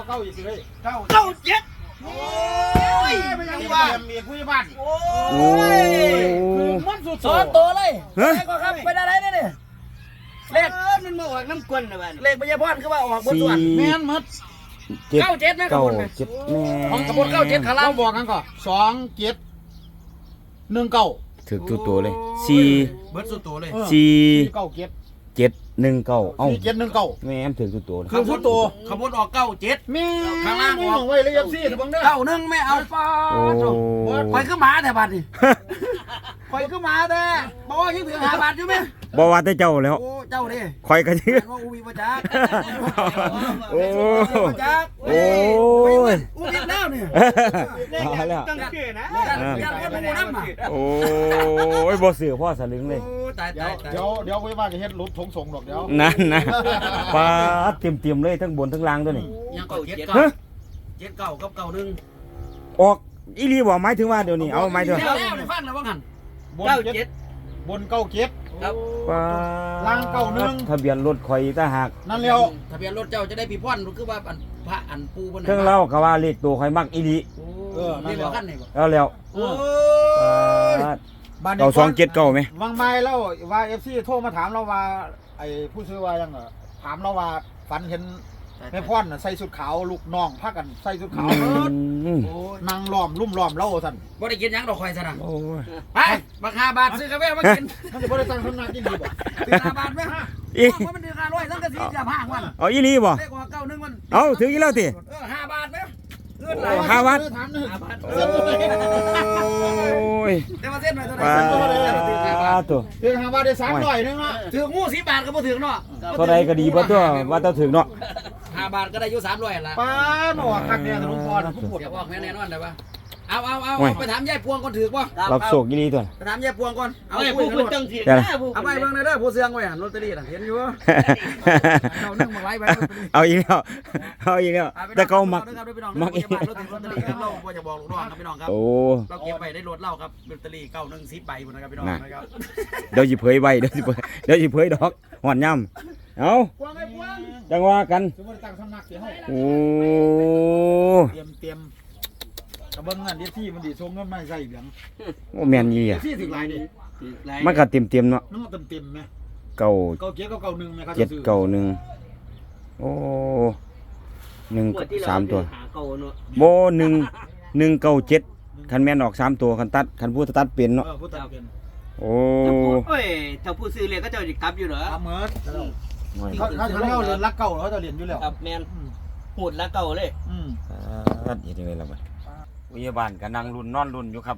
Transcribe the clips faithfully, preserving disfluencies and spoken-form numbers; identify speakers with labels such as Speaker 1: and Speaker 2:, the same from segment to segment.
Speaker 1: เก้าอีกเลยเก้า
Speaker 2: เก้าเจ็ดโอ้ย
Speaker 1: ไม่ยังบ้านมีผู้ใหญ่บ้าน
Speaker 2: โอ้ยมันสุดสองตัวเลยเลขก็ครับเป็นอะไรเนี่ยเลขมันมาออกน้ำกวนนะบ้านเลขพญาพรคือว่าออกบนส่วนแม่นมัดเก้าเจ็ดนะขบวนเจ็ดของขบวนเก้าเจ็ดขาล่าง
Speaker 1: บอกกันก่อนสองเจ็ดหนึ่งเก้า
Speaker 3: ถือตัวตัวเลยสี่
Speaker 2: เบิร์ดสุดตัวเลย
Speaker 3: สี่
Speaker 1: เก้าเจ็ด
Speaker 3: เจ็ดหนึ่งเก้าเอ้า
Speaker 1: เจ็ดหนึ่งเก้า
Speaker 3: แม่ถือตัวตัว
Speaker 2: ขบวนตัวขบวนออกเก้าเจ็ด
Speaker 1: แม่ข้างล่างออกไว้เลยยับซี่ถึงบังเด้อ
Speaker 2: เก้าหนึ่งไม่เอาป้าไปขึ้นมาแต่บัตรนี่ไปขึ้นมาแต่บอกว่ายังถือหาบาทอยู่ไหม
Speaker 3: บอกว่าแต่เจ้าแล้ว
Speaker 2: เจ้าดิ
Speaker 3: คอยกันชื่อ
Speaker 2: อูบีประจักษ์
Speaker 3: โอ้
Speaker 2: ประจักษ์
Speaker 3: โอ้ย
Speaker 2: อูบีแล้วเนี่ย
Speaker 3: เอาแล้ว
Speaker 2: จังเกนะยันคนมูน้ำอ่ะ
Speaker 3: โอ้ยบ่เสือพ่อสลึงเลย
Speaker 2: ตายตาย
Speaker 1: เดี๋ยวเดี๋ยวไว้ว่าจะเฮ็ดรถทงส่งดอกเดี๋ยว
Speaker 3: นั่นนะปลาเตรียมเตรียมเลยทั้งบนทั้งล่างตัวนี้
Speaker 2: ยังเก่าเจ็ดเก่าเจ็ดเก่ากับเก่าหนึ่ง
Speaker 3: ออกอีลีบอกหมายถึงว่าเดี๋ยวนี้เอาหมายถึง
Speaker 2: แล้วในฟังแล้วว่างัน
Speaker 1: เก้าเจ็ดบนเก้าเจ็ด
Speaker 2: ครับ
Speaker 1: ล่างเก้าหนึ่ง
Speaker 3: ทะเบียนรถคอยตาหัก
Speaker 1: นั่นแล้ว
Speaker 2: ทะเบียนรถเจ้าจะได้ปีพ่อนคือว่าพระอันปูบน
Speaker 3: เครื่องเล่าก็ว่าเลขตัวคอยมักอีลี
Speaker 2: เออนี่แล้วกันนี่บ่
Speaker 3: แล้วแล้ว
Speaker 2: โอ้
Speaker 3: เก้าสองเจ็ดเก้าไหม
Speaker 1: วางไม้แล้วว่าเอฟซีโทรมาถามเราว่าไอ้ผู้ซื้อว่ายังเหรอถามเราว่าฝันเห็นแม่พ่อนใส่ชุดขาวลูกน้องพากันใส่ชุดขาวนั่งล้อมลุ่มล้อมเล่าท่าน
Speaker 2: บ่ได้กินยังดอกคอยซะนะไปบักห้าบาทซื้อกาแฟมากิน
Speaker 1: มันจะบ่ได้ตั้งคำนักกินดีบ่
Speaker 2: ซื้อห้าบาทไหมฮะว่ามันเดือนห้าร้อยตั้งแต่สี่จะห้าวัน
Speaker 3: เอาอีลีบ่
Speaker 2: เลขว่าเก้าหนึ่งมัน
Speaker 3: เอาถึงอีแล้วติ
Speaker 2: เออห้าบาทไหมเงินไหล
Speaker 3: ห้าบาท
Speaker 2: ห้าบาท
Speaker 3: โอ้ย
Speaker 2: แต่ว่าเส้นไปเท่าไหร่
Speaker 3: ปลาตัว
Speaker 1: ถึงห้าบาทได้สามร้อยนึงเนาะ
Speaker 2: ถึงงูสิบบาทก็บ่ถึงเนาะ
Speaker 3: เท่าไรก็ดีบ่ตัวว่าต้องถึงเนาะ
Speaker 2: ห้าบาทก็ได้อยู่สามร้อยละ
Speaker 1: ป้าหนอคักเนี่ยถนนพรผู้ปวด
Speaker 2: อย่าบอกแม่แน่นอนได้ปะเอาเอาเอาไปถามยายพวงก่อนถือป่ะ
Speaker 3: รับโศกยี่ลีตัว
Speaker 2: ไปถามยายพวงก่อนเอาไปพูดจังสิเอาไปเบิ่งในเด้อผู้เสียงไว้หันลอตเตอรี่น่ะเห็นอยู่เอานึ่งมาไว้ไว้
Speaker 3: เอาอีกแล้วเอาอีกแล้วแต่เขามักมักอีก
Speaker 2: ลอตเตอรี่ครับเราบ่จะบอกลูกน้องครับพี่น้องครับโอ้เราเก็บไปได้รถเล่าครับลอตเตอรี่เก้าหนึ่งสิบใบพุ่นนะครับพี่น้องนะครับ
Speaker 3: เดี๋ยวสิเผยไว้เดี๋ยวสิเผยเดี๋ยวสิเผยดอกหอนย่ำเอาจังว่ากันโอ้
Speaker 1: เตรียมเตรียมกระเบื้องเงินที่ที่มันดีทรงเงินไม่ใส่เบียง
Speaker 3: โอ้แมนยี่อ่ะ
Speaker 1: ที่ถึงไรดิ
Speaker 3: มันก็เต็มเต็มเนาะ
Speaker 1: น้องเต็มเต็มไหม
Speaker 3: เก่า
Speaker 1: เก่าเจ็ดเก่าหนึ่งไหมครับ
Speaker 3: เจ็ดเก่าหนึ่งโอ้หนึ่งสามตัวโบหนึ่งหนึ่งเก่าเจ็ดคันแมนออกสามตัวคันตัดคันพูดตัดเป็นเนาะโอ้
Speaker 2: เอ้ยถ้าผู้ซื้อเรียนก็จะกลับอยู่เหรอ
Speaker 1: เหมือนเขาเขาเขาเรียกเรียนรักเก่าเขาจะเรียนอยู่แล้ว
Speaker 2: ครับแมนหูดรักเก่าเลย
Speaker 1: อืม
Speaker 3: ตัดยังไงล่ะบ้านวิญญาณก็นั่งรุ่นนอนรุ่นอยู่ครับ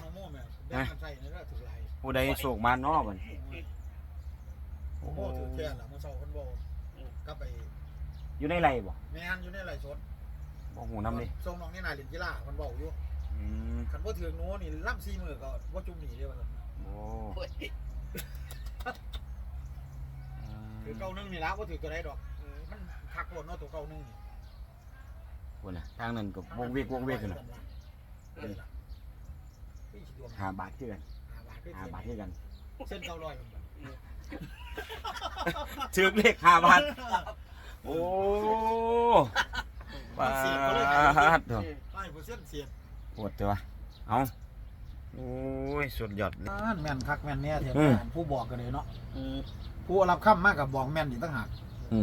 Speaker 3: ผู้ใดโศกมานอกมัน
Speaker 1: โอ้โหถือแค่ละมาเศร้าคนโบก็ไป
Speaker 3: อยู่ในไรบ่
Speaker 1: แม่นอยู่ในไรสด
Speaker 3: บ่หูน้ำดิ
Speaker 1: ทรงน้องนี่นายเรียนกีฬาคนบอกอยู่คันว่าถือโน้นี่ล่ำซีมือก็ว่าจุ่มหนีเดียวกัน
Speaker 3: โอ้
Speaker 1: ถือเก้าหนึ่งนี่แล้วว่าถือตัวไหนดอกมันคักโลดเนาะตัวเก้าหนึ่งนี่
Speaker 3: คนน่ะทางนั้นกับวงเวกวงเวกกันหาบาทที่กันหาบาทที่กัน
Speaker 1: เส้นเก้าร้อย
Speaker 3: ถือเลขหาบาทโอ้ปาดเถอะปวดตัวเอาโอ้ยสุดยอด
Speaker 1: แม่นคักแม่นเนี่ยเถอะผู้บอกกันเลยเนาะผู้รับคำมากกับบอกแม่นอีกตั้งหาก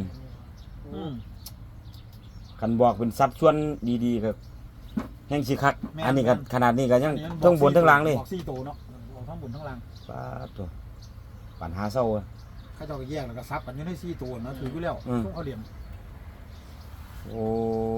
Speaker 3: คันบอกเป็นซับชวนดีๆครับแห้งสิคักอันนี้ก็ขนาดนี้ก็ยังทั้งบนทั้งล่างเลย
Speaker 1: บอกสี่ตัวเนาะทั้งบนทั้งล่าง
Speaker 3: ปาดตัวปัญหาเศร้า
Speaker 1: ข้าเจ้าก็แยกแล้วก็ซับกันอยู่ในสี่ตัวนะถืออยู่แล้วต้องเอาเหลี่ยม
Speaker 3: โอ้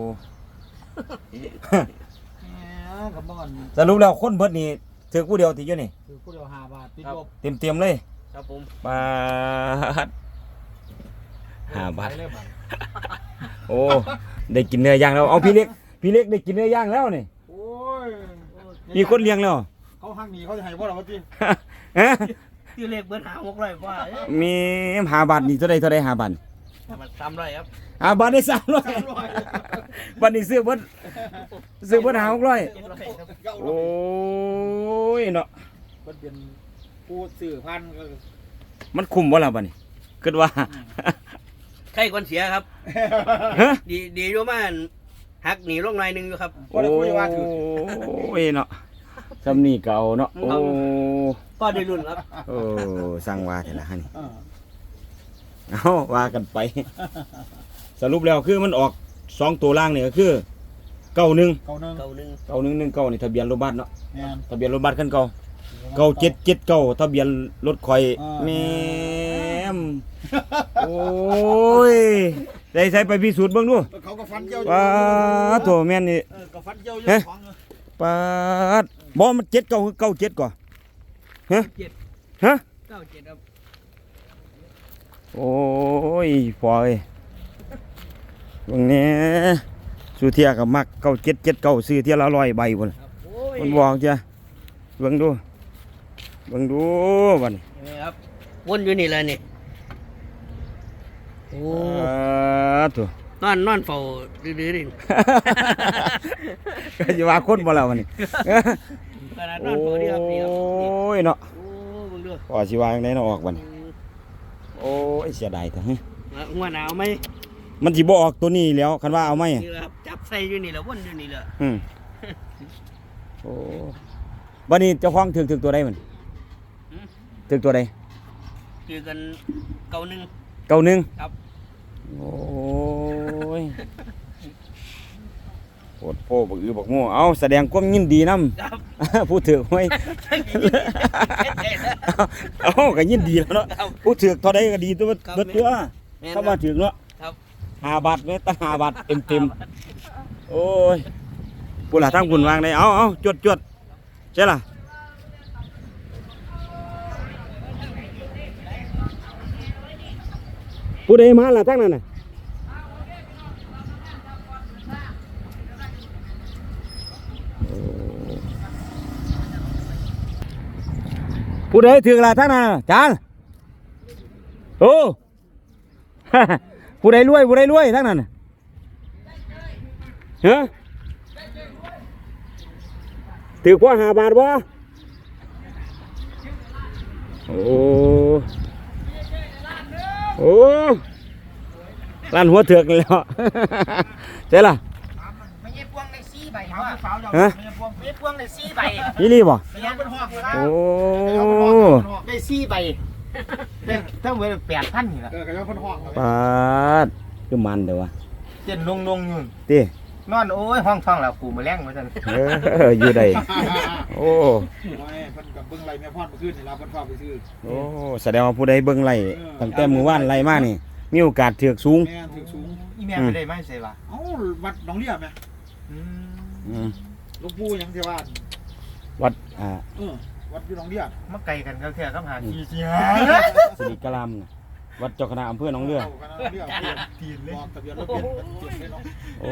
Speaker 1: กับบ้าน
Speaker 3: สรุปแล้วคนเบิดนี่ถือผู้เดียวติดอยู่นี่
Speaker 1: ถือผู้เดียวห้าบาทติดลบ
Speaker 3: เต็มเต็มเลย
Speaker 2: ครับผม
Speaker 3: บาทห้าบาทโอ้ได้กินเนื้อย่างแล้วเอาพี่เล็กพี่เล็กได้กินเนื้อย่างแล้วนี่
Speaker 1: โอ้ย
Speaker 3: มีคนเลี้ยงแล้ว
Speaker 1: เขาหักหนีเขาจะให้พ่อเราพี่
Speaker 2: พี่เล็กเบิร์ดหาหกร้อยกว่า
Speaker 3: มีห้าบาทนี่เท่าไรเท่าไรห้าบาท
Speaker 2: สามร้อยครับ
Speaker 3: ห้าบาทได้สามร้อยบาทนี่ซื้อเบิร์ดซื้อเบิร์ดหาหกร้อยโอ้ยเนาะ
Speaker 1: มันเป็นผู้สื่อพัน
Speaker 3: มันคุ้มวะล่ะบาทนี่คิดว่า
Speaker 2: ใครคนเสียครับดีดีอยู่มากหักหนีลงหน่อยนึงอยู่ครับ
Speaker 1: ก็ได้คุยว่าถือ
Speaker 3: โอ้ยเนาะซำนี้เก่าเนาะโอ้
Speaker 2: ก็ได้รุ่นครับ
Speaker 3: โอ้สั่งว่าแต่ละหั่นนี่
Speaker 1: เออ
Speaker 3: เอาว่ากันไป สรุปแล้วคือมันออกสองตัวล่างนี่ก็คือเก้าหนึ่ง
Speaker 1: เก้าหนึ่ง
Speaker 2: เก่าหนึ่ง
Speaker 3: เก้าหนึ่งหนึ่งเก้านี่ทะเบียนรถบัสเนาะ
Speaker 1: แม่น
Speaker 3: ทะเบียนรถบัสคันเก่าเก้าเจ็ดเจ็ดเก้าทะเบียนรถข่อย
Speaker 1: อ่า
Speaker 3: แม่มโอ้ยได้ใส่ไปพิสูจน์เบิ่งดู
Speaker 1: เขาก็ฟันเกี่ยว
Speaker 3: ป้าดโถแม่นนี่
Speaker 1: เออก็ฟันเกี่ยวอยู่
Speaker 3: เฮ้ย
Speaker 1: ของเออ
Speaker 3: ป้าดบ่มันเจ็ดเก้าคือเก้าเจ็ดก่อนฮะ
Speaker 2: เจ็ด
Speaker 3: ฮะ
Speaker 2: เก้าเจ็ดครับ
Speaker 3: โอ้ยพอเอ้ยเบิ่งแหน่สุเทียกับมักเก้าเจ็ดเจ็ดเก้าซื้อเที่ยละร้อยใบพุ่น
Speaker 2: ครับโอ้ย
Speaker 3: มันบอกจ้ะเบิ่งดูเบิ่งดูบัดนี้
Speaker 2: นี่ครับวนอยู่นี่เลยนี่โอ้
Speaker 3: อ่าตัวน
Speaker 2: อนนอนเฝ้าดื้อๆนี่
Speaker 3: ก็สิว่าคนบ่แล้วบัดนี้
Speaker 2: ขนาดนอนเฝ้านี่ครับนี่ครับ
Speaker 3: โอ้
Speaker 2: นี่
Speaker 3: ยเนาะ
Speaker 2: โอ้เบิ่งดู
Speaker 3: พอสิว่าจังได๋เนาะออกบัดนี้โอ้ยเสียดายแท้ฮะ
Speaker 2: หัวหนาวไหม
Speaker 3: มันสิบ่ออกตัวนี้แล้วคันว่าเอาไหม
Speaker 2: นี่แหละครับจับใส่อยู่นี่แหละวนอยู่นี่แหละ
Speaker 3: อืมโอ้บัดนี้เจ้าของถึกถึกตัวใดมันถึกตัวใด
Speaker 2: คือกันเก่าหนึ่ง
Speaker 3: เก้าหนึ่ง
Speaker 2: ครับ
Speaker 3: โอ้ยโอดโพบักอือบักโม่เอาแสดงความยินดีนำ
Speaker 2: ครับ
Speaker 3: ผู้ถือไว้ เอาก็ยินดีแล้วเนาะ
Speaker 2: ครับ
Speaker 3: ผู้ถือเท่าใดก็ดีตัว
Speaker 2: ครับ
Speaker 3: เบิดตัว
Speaker 2: แม่น
Speaker 3: เข้ามาถือเนาะ
Speaker 2: ครับ
Speaker 3: ห้าบาทแม่ตั้งห้าบาทเต็มเต็มๆโอ้ยผู้หลาทั้งบุญวางได้เอาเอาจวดจวดใช่ล่ะผู้ใดมาล่ะทั้งนั้นน่ะผู้ใดถือล่ะทั้งนั้นน่ะจานโอ้ ผู้ใดรวยผู้ใดรวยทั้งนั้นน่ะเฮ้ยถือพ่อหาบาทบ่โอ้โอ้ร้านหัวเถือกนี่แหล้ว เจ๊ล่ะ
Speaker 2: ไม่ใช่พวงในซี่ใบ
Speaker 1: ถาม
Speaker 2: ว่า
Speaker 1: ผู้สาวเจ้า
Speaker 3: ฮะ
Speaker 1: ไม่ใช่พวง
Speaker 2: ไม่ใช่พวงในซี่ใบ
Speaker 3: นี่รีบบ่
Speaker 1: ไม่ใช่เป็นห้องเลยนะ
Speaker 3: โอ้
Speaker 2: ได้ซี่ใบถ้าเวลาแปดพันนี่แหละ
Speaker 1: เออกระยาเป็นห้องเลย
Speaker 3: ปาดคือมันเด้อวะ
Speaker 2: เจ็ดลงลงอยู่
Speaker 3: ติ
Speaker 2: นอนโอ้ยห้องท้องแล้วกูมาแล้งมาจัน
Speaker 3: เอออยู่ได้โอ้
Speaker 1: โอ้ยเพิ่นกับเบิ่งไรแม่พ่อนเมื่อคืนนี่เราเพิ่นฝากไปซื้อ
Speaker 3: โอ้แสดงว่าผู้ใดเบิ่งไล่ตั้งแต่มื้อวานไล่มานี่ มีโอกาสเถือกสูง
Speaker 1: แม่ถือสูง
Speaker 2: อีแม่ไปได้ไหมใช่ปะ
Speaker 1: เอ้าวัดหนองเลียแม่
Speaker 3: อืม
Speaker 1: หลูกปู่หยังที่ว่า
Speaker 3: วัดอ่า
Speaker 1: เออวัดอยู่หนองเลีย
Speaker 2: มาไกลกันก็แค่คำหาที่เสีย
Speaker 3: สิริกะลามน่ะวัดเจ้าคณะอำเภอหนองเรือ
Speaker 1: ากันหนองเลียทีนเลยบอกทะเบียนรถเปลี่ยนเปลี่ยนเลยเนาะ
Speaker 3: โอ้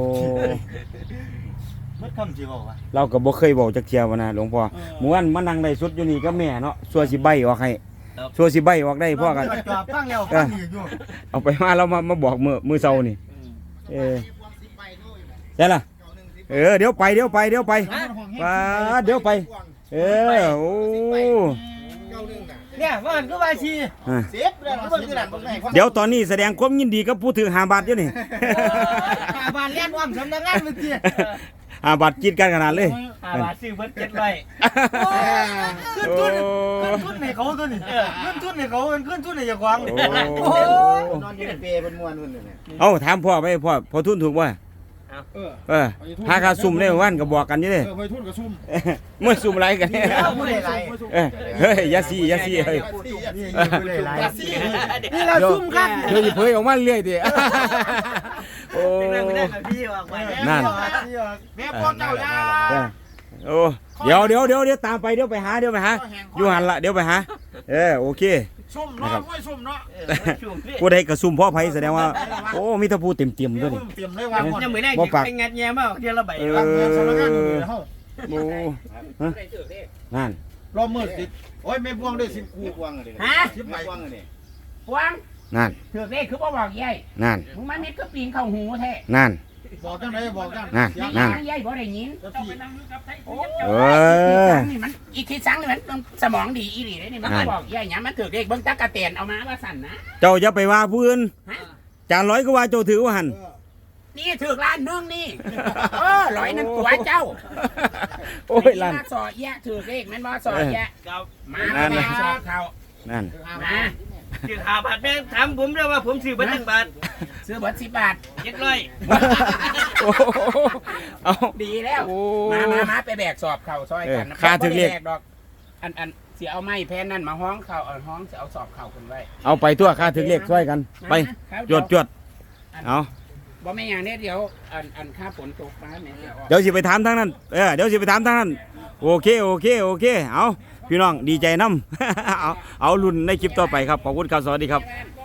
Speaker 2: เมื่อคำจีบอกว่า
Speaker 3: เราก็บ่เคยบอกจักเที่ยวว่านะหลวงพ่อหมู่วันมานั่งได้สุดอยู่นี่กับแม่เนาะสัวสิใบออกให้สัวสิใบออกได้พ่อกัน
Speaker 2: จอบฟังแล้วฟังอีกอยู่
Speaker 3: เอาไปมาเรามามาบอกมือมือเซานี่ เออใช่ล่ะ เออเดี๋ยวไปเดี๋ยวไปเดี๋ยวไปปาดเดี๋ยวไป เออโอ้
Speaker 2: เนี่ยว่ามันก็ว่าชี
Speaker 3: อ่ะ
Speaker 2: เสียบเลยมันก็คือหลังตรงไหน
Speaker 3: เดี๋ยวตอนนี้แสดงความยินดีกับผู้ถือหาบาทอยู่นี่
Speaker 2: หาบ้านเลี้ยนว่างสำนักงานเมื่อกี้
Speaker 3: หาบาทกินกันขนาดเลย
Speaker 2: หาบ้านซื้อเพิ่นเจ็ดใบ ขึ้น
Speaker 3: โอ้
Speaker 2: ทุนขึ้นทุนให้เขาตัวนี้ขึ้นทุนให้เขาเป็นขึ้นทุนให้เจ้าของ
Speaker 3: โอ้
Speaker 2: นอนอยู่ในเปรย์เป็นมวนนู่นเนี่ย
Speaker 3: เอาถามพ่อไปพ่อพ่อทุนถูกบ่
Speaker 1: เออ
Speaker 3: เออพาคาซุ่มได้เมื่อวันก็บอกกันอยู่เด้
Speaker 1: เออไปทุ่นกับซุ่ม
Speaker 3: เมื่อซุ่มไรกันเนี่ย
Speaker 2: ผู้ใดไร
Speaker 3: เออเฮ้ยอยาซีอยาซีเฮ้ย
Speaker 2: นี่เราซุ่มกัน
Speaker 3: เดี๋ยวสิเผยออกมาเรื่อยดิโอ้
Speaker 2: พี่ออกมา
Speaker 3: นั่น
Speaker 2: แม่พ่อเจ้าย่า
Speaker 3: เออโอ้เดี๋ยวเดี๋ยวเดี๋ยวเดี๋ยวตามไปเดี๋ยวไปหาเดี๋ยวไปหาอยู่หันละเดี๋ยวไปหาเออโอเค
Speaker 1: ซุ่มเนาะห้วยซุ่มเนาะ
Speaker 3: ผู้ใดกระซุ่มพ่อไผแสดงว่าโอ้มีแตะพูเต็มเต็มๆด้วยนี่
Speaker 1: เตรียมเลยว่าหมด
Speaker 2: ยังไม่ได้ไปงัดแย่มากเดี๋ยวเราไป
Speaker 3: เอ
Speaker 1: ทำงานสำนักงานอยู่ในห้อง
Speaker 3: โอ้ฮะนั่น
Speaker 1: รอบมืดติดโอ้ยไม่พวงด้วยสิบคู่พวงเลย
Speaker 4: ฮะ
Speaker 1: สิบใบ
Speaker 4: พวง
Speaker 3: นั่น
Speaker 4: ถือเลขคือบ่บอกยาย
Speaker 3: นั่น
Speaker 4: มึงมาเม็ดก็ปีนเข้าหูแท้
Speaker 3: นั่น
Speaker 1: บอกจังไหนบอกจัง
Speaker 3: นั่น
Speaker 1: เสียง
Speaker 3: นั่น
Speaker 4: ทางยายบ่ได้ยิน
Speaker 1: แล้วพี่
Speaker 4: โอ้
Speaker 3: เออ
Speaker 4: นี่มันอีกทีสังนี่มันสมองดีอีหลีเลยนี่มัน
Speaker 3: นั่น
Speaker 4: บอกยายหยังมันถือเลขเบิ่งตะกะเตียนเอามาว่าสั่นนะ
Speaker 3: เจ้าอย่าไปว่าผู้อื่น
Speaker 4: ฮะ
Speaker 3: จานร้อยก็ว่าเจ้าถือว่าหัน
Speaker 1: เออ
Speaker 4: นี่ถือล้านนึงนี่เออร้อยนั่นตัวเจ้า
Speaker 3: โอ้ยลั่น
Speaker 4: มาสอแยะถือเลขแม่นบ่สอแยะ
Speaker 2: ครับ
Speaker 4: มา
Speaker 3: นั่น
Speaker 4: แม่
Speaker 3: น่ะ
Speaker 4: สอบเขา
Speaker 3: นั่น
Speaker 4: มา
Speaker 2: ถือหาบาทแม่ถามผมด้วยว่าผมซื้อบัตรจักบาท
Speaker 4: ซื้อเบิดสิบบาท
Speaker 2: เจ็ดร้อย
Speaker 3: โอ้โหเอา
Speaker 4: ดีแล้ว
Speaker 3: โอ้
Speaker 4: มามามาไปแบกสอบเข่าซอยกัน
Speaker 3: เออค่าถึงเลข
Speaker 4: บ่ได้แบกดอกอันอันเสียเอาไม้แพนนั่นมาห้องเข่าเอาห้องเสียเอาสอบเข่าคนไว้
Speaker 3: เอาไปตัวค่าถึงเลขช่วยกัน ไป
Speaker 4: ครับ
Speaker 3: จวดจวดเอา
Speaker 4: บ่แม่นอย่างนี้เดี๋ยวอันอันค่าฝนตกมาแม่เดี๋ยวออก
Speaker 3: เดี๋ยวสิไปถามทางนั้นเออเดี๋ยวสิไปถามทางนั้นโอเคโอเคโอเคเอาพี่น้องดีใจน้ำ เอาเอารุ่นในคลิปต่อไปครับขอบคุณครับสวัสดีครับ
Speaker 4: แม่น